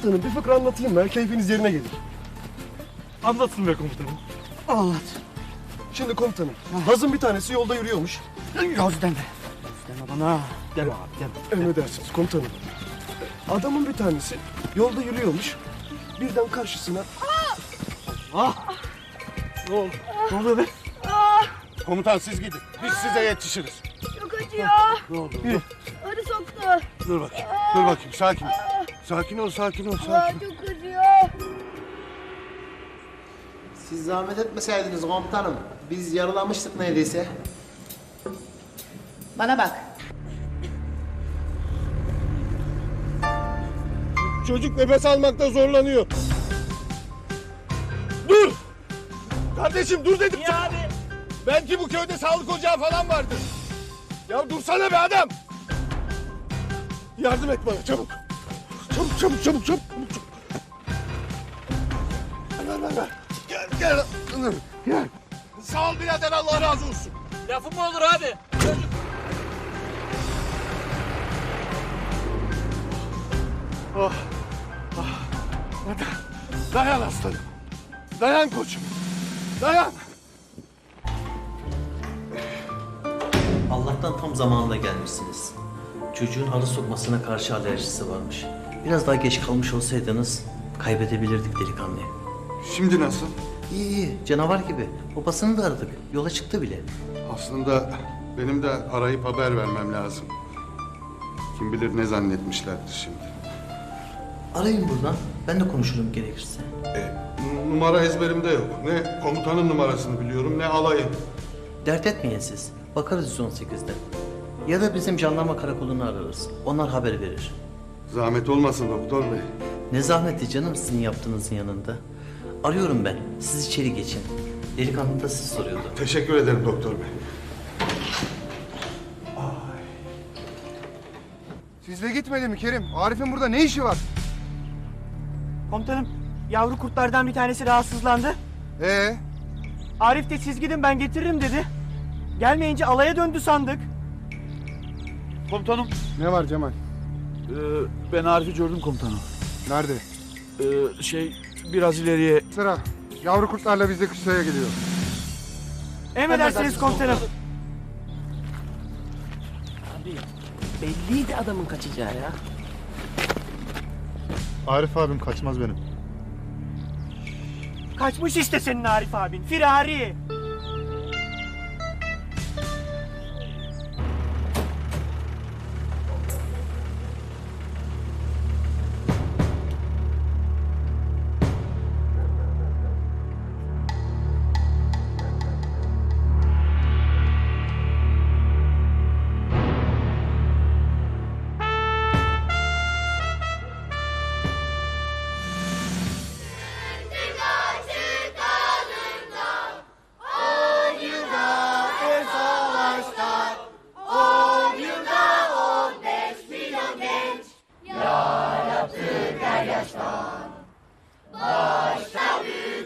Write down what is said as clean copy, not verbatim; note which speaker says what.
Speaker 1: Komutanım bir fıkra anlatayım mı? Keyfiniz yerine gelir.
Speaker 2: Anlatsın be komutanım.
Speaker 3: Anlat.
Speaker 1: Şimdi komutanım, Laz'ın bir tanesi yolda yürüyormuş.
Speaker 3: Yaz deme. Yaz deme bana.
Speaker 2: Gel abi gel.
Speaker 1: Emredersiniz komutanım. Adamın bir tanesi yolda yürüyormuş. Birden karşısına...
Speaker 2: Ne oldu? Ne oluyor be?
Speaker 4: Komutan siz gidin. Biz size yetişiriz.
Speaker 5: Çok acıyor.
Speaker 4: Ne oldu?
Speaker 5: Arı soktu.
Speaker 4: Dur bakayım. Dur bakayım. Sakin ol. Sakin ol, sakin ol,
Speaker 5: Aa,
Speaker 4: sakin ol.
Speaker 5: çok acıyor.
Speaker 6: Siz zahmet etmeseydiniz komutanım. Biz yaralamıştık neredeyse.
Speaker 7: Bana bak.
Speaker 4: Çocuk nefes almakta zorlanıyor. Dur! Kardeşim dur dedim.
Speaker 2: Ya abi.
Speaker 4: Belki bu köyde sağlık ocağı falan vardır. Ya dursana be adam. Yardım et bana çabuk. Çabuk çabuk çabuk çabuk. Ver. Gel. Gel. Sağ ol birader, Allah razı olsun.
Speaker 2: Lafım mı olur abi?
Speaker 4: Dayan aslanım. Dayan koçum. Dayan.
Speaker 8: Allah'tan tam zamanında gelmişsiniz. Çocuğun halı sokmasına karşı alerjisi varmış. Biraz daha geç kalmış olsaydınız kaybedebilirdik delikanlıyı.
Speaker 4: Şimdi nasıl?
Speaker 8: İyi, canavar gibi. Babasını da aradık. Yola çıktı bile.
Speaker 4: Aslında benim de arayıp haber vermem lazım. Kim bilir ne zannetmişlerdir şimdi.
Speaker 8: Arayın buradan. Ben de konuşurum gerekirse.
Speaker 4: Numara ezberimde yok. Ne komutanın numarasını biliyorum ne alayın.
Speaker 8: Dert etmeyin siz. Bakarız 118'de. Ya da bizim jandarma karakolunu ararız. Onlar haber verir.
Speaker 4: Zahmet olmasın doktor bey.
Speaker 8: Ne zahmeti canım sizin yaptığınızın yanında. Arıyorum ben. Siz içeri geçin. Delikanlı da siz soruyordu.
Speaker 4: Teşekkür ederim doktor bey.
Speaker 9: Sizle gitmedi mi Kerim? Arif'in burada ne işi var?
Speaker 3: Komutanım, yavru kurtlardan bir tanesi rahatsızlandı. Arif de siz gidin ben getiririm dedi. Gelmeyince alaya döndü sandık.
Speaker 2: Komutanım.
Speaker 9: Ne var Cemal?
Speaker 2: Ben Arif'i gördüm komutanım.
Speaker 9: Nerede?
Speaker 2: Biraz ileriye.
Speaker 9: Sıra. Yavru kurtlarla biz de kışlaya geliyor.
Speaker 3: Emredersiniz komutanım.
Speaker 10: Belliydi adamın kaçacağı ya.
Speaker 9: Arif abim kaçmaz benim.
Speaker 3: Kaçmış işte senin Arif abin. Firari.
Speaker 5: Yarattık her yaştan. Başta büyük.